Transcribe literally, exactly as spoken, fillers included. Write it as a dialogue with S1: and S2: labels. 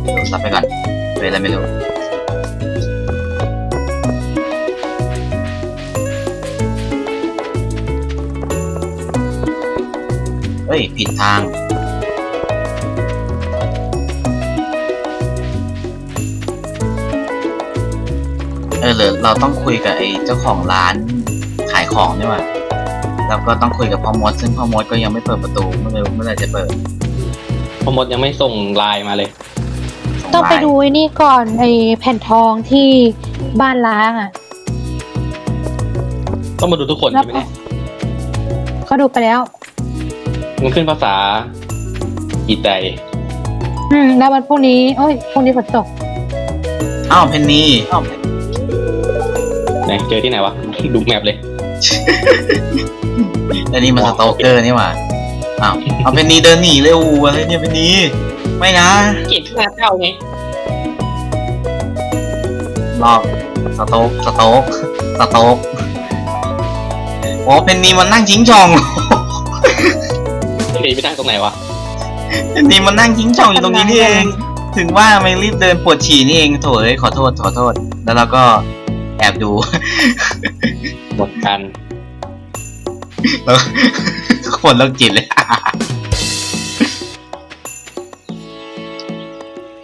S1: ดูซับไปก่อนเป็นอะไรไม่รู้เฮ้ยผิดทางเออหรือเราต้องคุยกับไอ้เจ้าของร้านขายของนี่หว่าแล้วก็ต้องคุยกับพ่อมดซึ่งพ่อมดก็ยังไม่เปิดประตูเมื่อไหร่เมื่อไหร่จะเปิด
S2: พ่อมดยังไม่ส่งไลน์มาเลย
S3: ต้องไปดูไอ้นี่ก่อนไอ้แผ่นทองที่บ้านล้างอ่ะ
S2: ต้องมาดูทุกคน
S3: แล้ว
S2: ใช่ไหมเนี่ย
S3: เขาดูไปแล้ว
S2: มันขึ้นภาษาอีไต
S3: อืมแล้ววันพรุ่งนี้โอ้ยพรุ่งนี้ฝนตก
S1: อ้าวเพนนีอ้าว
S2: ไหนเจอที่ไหนวะ ดูแมปเลย
S1: อันนี้มันสโตเกอร์นี่หว่าอ้าวเอาเพนนีเดินหนีเร็วอะไรเนี่ยเพนนีไม่นะ
S2: เก็บหน้าเท่าไง
S1: รอบสโตกสโตกสโตกโอ้เพนนีมันนั่งชิงช่อง
S2: เฮ้ยไปนั่งตรงไหนวะ
S1: เพนนีมันนั่งชิงช่องอยู่ตรงนี้นี่เองถึงว่าไม่รีบเดินปวดฉี่นี่เองโถเอ้ยขอโทษขอโทษแล้วเราก็แอบดู
S2: หมดกัน
S1: แล้วคนโรคจิตเลย